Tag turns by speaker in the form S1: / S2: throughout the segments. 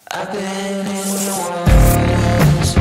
S1: I've been in your words.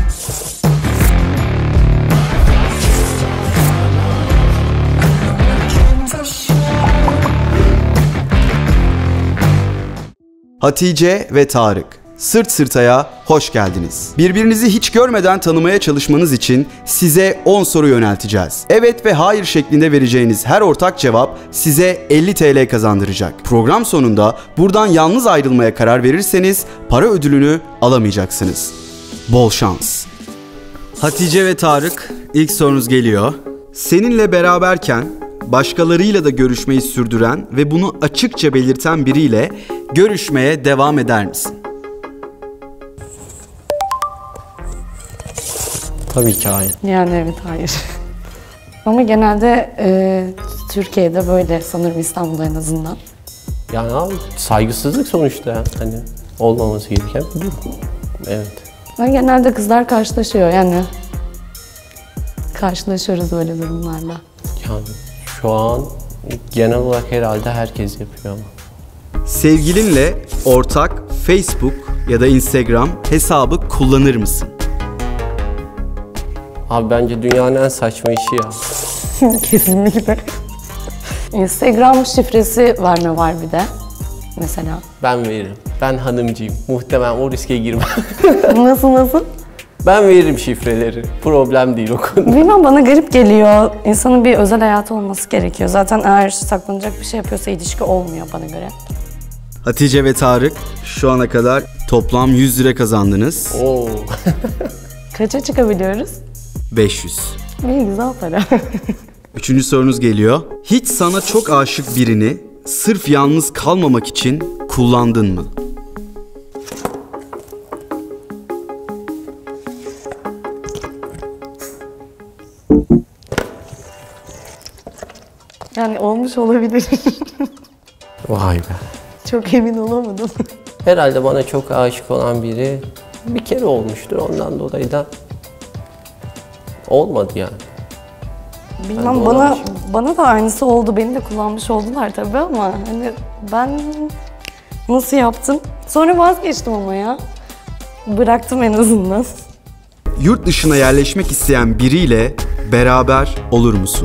S2: Hatice ve Tarık, Sırt Sırta'ya hoş geldiniz. Birbirinizi hiç görmeden tanımaya çalışmanız için size 10 soru yönelteceğiz. Evet ve hayır şeklinde vereceğiniz her ortak cevap size 50 TL kazandıracak. Program sonunda buradan yalnız ayrılmaya karar verirseniz para ödülünü alamayacaksınız. Bol şans. Hatice ve Tarık, ilk sorunuz geliyor. Seninle beraberken başkalarıyla da görüşmeyi sürdüren ve bunu açıkça belirten biriyle görüşmeye devam eder misin?
S3: Tabii ki hayır.
S4: Yani evet, hayır. Ama genelde Türkiye'de böyle, sanırım İstanbul'da en azından.
S3: Yani abi saygısızlık sonuçta, hani olmaması gereken bir durum. Evet.
S4: Ama genelde kızlar karşılaşıyor yani. Karşılaşıyoruz böyle durumlarla.
S3: Yani şu an genel olarak herhalde herkes yapıyor ama.
S2: Sevgilinle ortak Facebook ya da Instagram hesabı kullanır mısın?
S3: Abi bence dünyanın en saçma işi ya.
S4: Kesinlikle. Instagram şifresi verme var bir de. Mesela.
S3: Ben veririm. Ben hanımcıyım. Muhtemelen o riske girmem.
S4: Nasıl?
S3: Ben veririm şifreleri. Problem değil o konu.
S4: Bilmem, bana garip geliyor. İnsanın bir özel hayatı olması gerekiyor. Zaten eğer saklanacak bir şey yapıyorsa ilişki olmuyor bana göre.
S2: Hatice ve Tarık, şu ana kadar toplam 100 lira kazandınız.
S3: Oo.
S4: Kaça çıkabiliyoruz?
S2: 500.
S4: İyi, güzel para.
S2: Üçüncü sorunuz geliyor. Hiç sana çok aşık birini sırf yalnız kalmamak için kullandın mı?
S4: Yani olmuş olabilir.
S3: Vay be.
S4: Çok emin olamadım.
S3: Herhalde bana çok aşık olan biri bir kere olmuştur. Ondan dolayı da olmadı yani.
S4: Bilmem, bana da aynısı oldu. Beni de kullanmış oldular tabii ama hani ben nasıl yaptım? Sonra vazgeçtim ama ya. Bıraktım en azından.
S2: Yurt dışına yerleşmek isteyen biriyle beraber olur musun?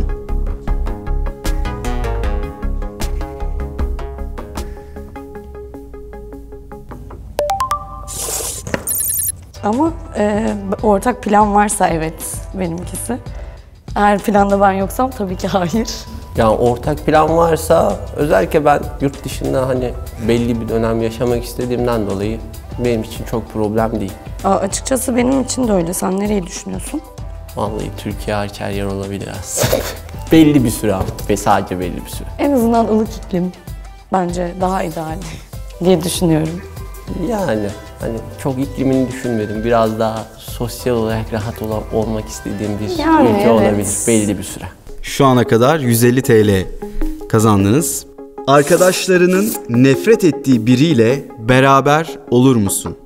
S4: Ama ortak plan varsa evet, benimkisi. Eğer planda ben yoksam tabii ki hayır.
S3: Yani ortak plan varsa, özellikle ben yurt dışında hani belli bir dönem yaşamak istediğimden dolayı benim için çok problem değil.
S4: Açıkçası benim için de öyle. Sen nereyi düşünüyorsun?
S3: Vallahi Türkiye hariç her yer olabilir aslında. Belli bir süre ama ve sadece belli bir süre.
S4: En azından ılık iklim bence daha ideal diye düşünüyorum.
S3: Yani hani çok iklimini düşünmedim. Biraz daha sosyal olarak rahat olmak istediğim bir ülke
S4: evet,
S3: olabilir belli bir süre.
S2: Şu ana kadar 150 TL kazandınız. Arkadaşlarının nefret ettiği biriyle beraber olur musun?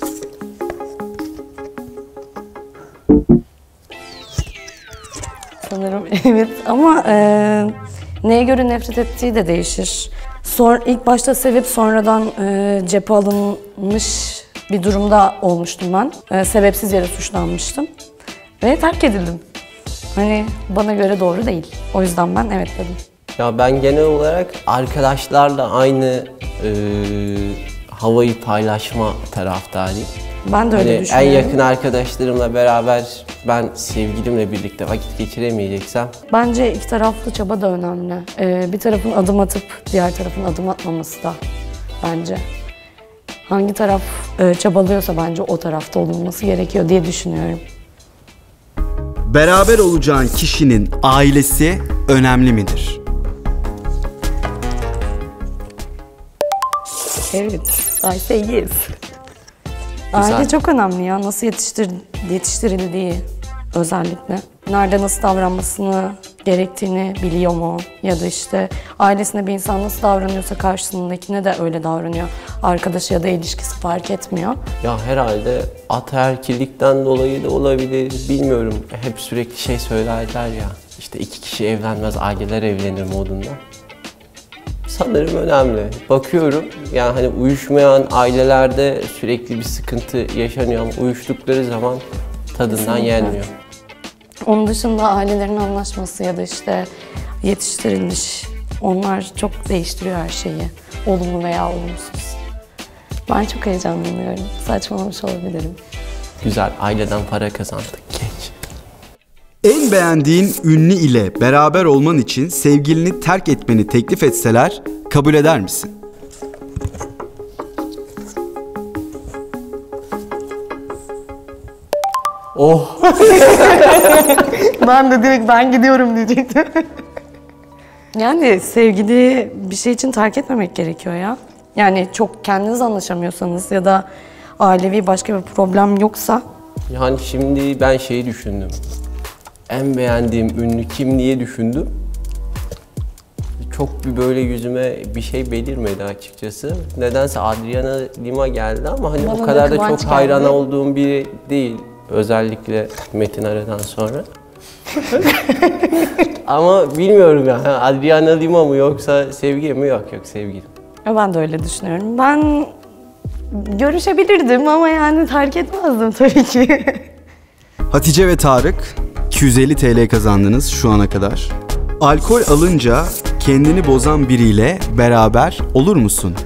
S4: Sanırım evet, ama neye göre nefret ettiği de değişir. İlk başta sevip sonradan cephe alınmış bir durumda olmuştum ben. Sebepsiz yere suçlanmıştım ve terk edildim. Hani bana göre doğru değil. O yüzden ben evet dedim.
S3: Ya ben genel olarak arkadaşlarla aynı havayı paylaşma taraftarıyım.
S4: Ben de öyle
S3: Hani en
S4: düşünüyorum.
S3: yakın arkadaşlarımla beraber ben sevgilimle birlikte vakit geçiremeyeceksem.
S4: Bence iki taraflı çaba da önemli. Bir tarafın adım atıp diğer tarafın adım atmaması da bence. Hangi taraf çabalıyorsa bence o tarafta olunması gerekiyor diye düşünüyorum.
S2: Beraber olacağın kişinin ailesi önemli midir?
S4: Evet, I say yes. Aile çok önemli ya. Nasıl yetiştirildiği özellikle. Nerede nasıl davranmasını gerektiğini biliyor mu? Ya da işte ailesine bir insan nasıl davranıyorsa karşısındakine de öyle davranıyor. Arkadaşı ya da ilişkisi fark etmiyor.
S3: Ya herhalde ataerkillikten dolayı da olabilir, bilmiyorum. Hep sürekli söylerler ya, işte 2 kişi evlenmez, aileler evlenir modunda. Sanırım önemli. Bakıyorum yani hani uyuşmayan ailelerde sürekli bir sıkıntı yaşanıyor ama uyuştukları zaman tadından
S4: Kesinlikle.
S3: yenmiyor.
S4: Onun dışında ailelerin anlaşması ya da işte yetiştiriliş, onlar çok değiştiriyor her şeyi. Olumlu veya olumsuz. Ben çok heyecanlanıyorum. Saçmalamış olabilirim.
S3: Güzel, aileden para kazandık. Geç.
S2: En beğendiğin ünlü ile beraber olman için sevgilini terk etmeni teklif etseler kabul eder misin?
S3: Oh!
S4: Ben de direkt ben gidiyorum diyecektim. Yani sevgili bir şey için terk etmemek gerekiyor ya. Yani çok kendiniz anlaşamıyorsanız ya da ailevi başka bir problem yoksa
S3: Yani şimdi ben şeyi düşündüm. En beğendiğim ünlü kim diye düşündüm. Çok bir böyle yüzüme bir şey belirmedi açıkçası. Nedense Adriana Lima geldi ama hani
S4: Bana
S3: o kadar da
S4: da Kıvanç
S3: çok hayran
S4: geldi.
S3: olduğum biri değil. Özellikle Metin Ara'dan sonra. Ama bilmiyorum ya. Adriana Lima mı yoksa sevgilim mi? Yok sevgilim.
S4: ben de öyle düşünüyorum. Ben görüşebilirdim ama yani terk etmezdim tabii ki.
S2: Hatice ve Tarık 250 TL kazandınız şu ana kadar. Alkol alınca kendini bozan biriyle beraber olur musun?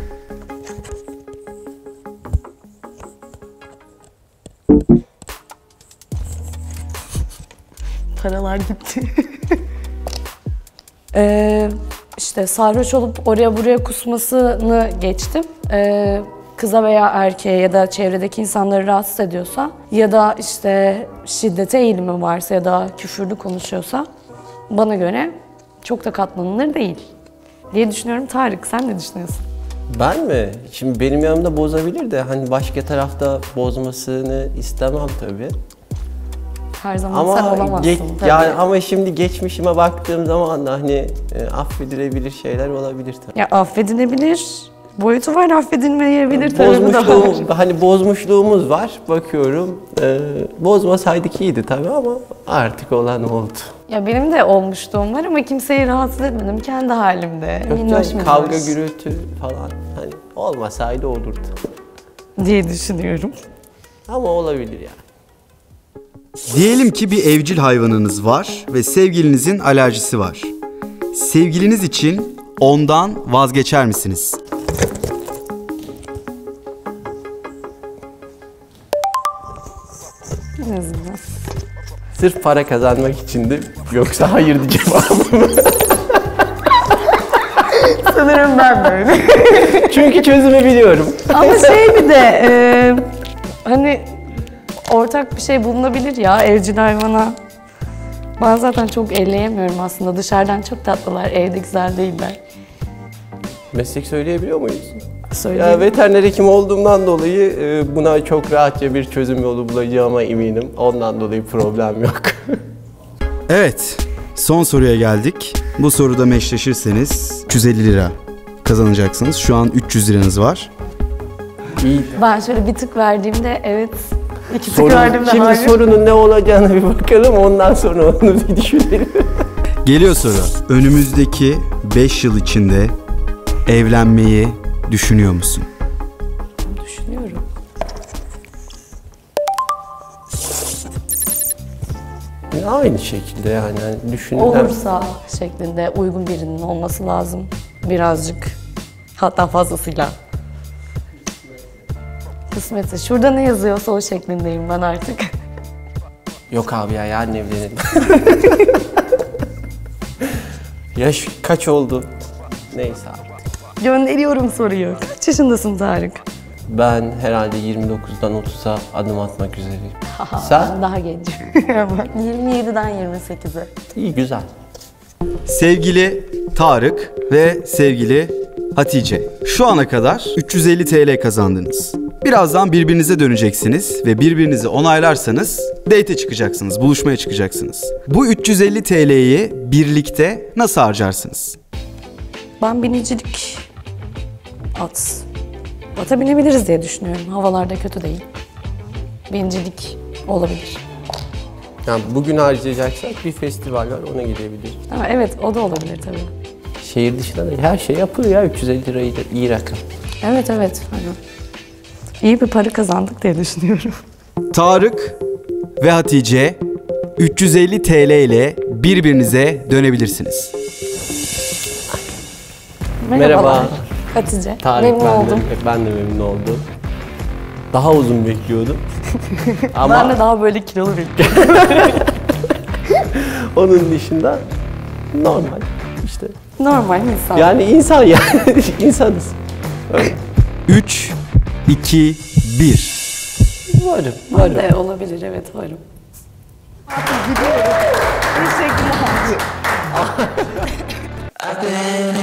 S4: Paralar gitti. İşte sarhoş olup oraya buraya kusmasını geçtim. Kıza veya erkeğe ya da çevredeki insanları rahatsız ediyorsa ya da işte şiddete eğilimi varsa ya da küfürlü konuşuyorsa bana göre çok da katlanılır değil diye düşünüyorum. Tarık, sen ne düşünüyorsun?
S3: Ben mi? Şimdi benim yanımda bozabilir de hani başka tarafta bozmasını istemem tabii.
S4: Her zaman sen
S3: Ama
S4: olamazsın tabii.
S3: yani ama şimdi geçmişime baktığım zaman da hani affedilebilir şeyler olabilir tabii.
S4: Ya affedilebilir boyutu var, affedilmeyebilir tarafı da var.
S3: Hani bozmuşluğumuz var. Bakıyorum bozmasaydık iyiydi tabii ama artık olan oldu.
S4: Ya benim de olmuşluğum var ama kimseyi rahatsız etmedim. Kendi halimde.
S3: Yok
S4: Minnoş
S3: canım,
S4: minnoş
S3: kavga gürültü falan hani olmasaydı olurdu.
S4: diye düşünüyorum.
S3: Ama olabilir yani.
S2: Diyelim ki bir evcil hayvanınız var ve sevgilinizin alerjisi var. Sevgiliniz için ondan vazgeçer misiniz?
S4: En azından.
S3: Sırf para kazanmak içindi. Yoksa hayır cevabım.
S4: Sanırım ben böyle.
S3: Çünkü çözümü biliyorum.
S4: Ama şey bir de hani ortak bir şey bulunabilir ya evcil hayvana. Ben zaten çok elleyemiyorum aslında. Dışarıdan çok tatlılar, evde güzel değiller.
S3: Meslek söyleyebiliyor muyuz?
S4: Söyleyeyim.
S3: Ya veteriner hekim olduğumdan dolayı buna çok rahatça bir çözüm yolu bulacağıma eminim. Ondan dolayı problem yok.
S2: Evet, son soruya geldik. Bu soruda meşleşirseniz 350 lira kazanacaksınız. Şu an 300 liranız var.
S3: İyi.
S4: Ben şöyle bir tık verdiğimde evet, iki tık verdiğimde
S3: Şimdi
S4: hayır.
S3: sorunun ne olacağını bir bakalım. Ondan sonra onu bir düşünelim.
S2: Geliyor soru. Önümüzdeki 5 yıl içinde evlenmeyi düşünüyor musun?
S4: Düşünüyorum.
S3: Aynı şekilde yani düşünülen.
S4: Olursa şeklinde uygun birinin olması lazım. Birazcık. Hatta fazlasıyla. Kısmetse. Şurada ne yazıyorsa o şeklindeyim ben artık.
S3: Yok abi ya yarın evlenelim. Yaş kaç oldu? Neyse abi.
S4: Gönderiyorum soruyu. Kaç yaşındasın Tarık?
S3: Ben herhalde 29'dan 30'a adım atmak üzereyim.
S4: Ben
S3: Sen?
S4: daha gencim. 27'den 28'e.
S3: İyi güzel.
S2: Sevgili Tarık ve sevgili Hatice, şu ana kadar 350 TL kazandınız. Birazdan birbirinize döneceksiniz ve birbirinizi onaylarsanız date'e çıkacaksınız, buluşmaya çıkacaksınız. Bu 350 TL'yi birlikte nasıl harcarsınız?
S4: Ben binicilik ata binebiliriz diye düşünüyorum. Havalarda kötü değil. Binicilik olabilir.
S3: Yani bugün harcayacaksak bir festival var ona gidebiliriz.
S4: Ha, evet o da olabilir tabii.
S3: şehir dışında da her şey yapılıyor ya, 350 lira iyi rakam.
S4: Evet evet. Hani iyi bir para kazandık diye düşünüyorum.
S2: Tarık ve Hatice 350 TL ile birbirinize dönebilirsiniz.
S3: Merhaba.
S4: Hatice.
S3: Tarık,
S4: Memnun oldum.
S3: Ben de memnun oldum. Daha uzun bekliyordum. Ama
S4: Ben de daha böyle kilolu bekliyorum.
S3: onun dışında normal işte.
S4: Normal insan.
S3: Yani insan yani insanız.
S2: 3, 2, 1.
S3: Varım,
S4: Ben
S3: varım.
S4: de olabilir, evet varım. Teşekkürler.
S1: I've been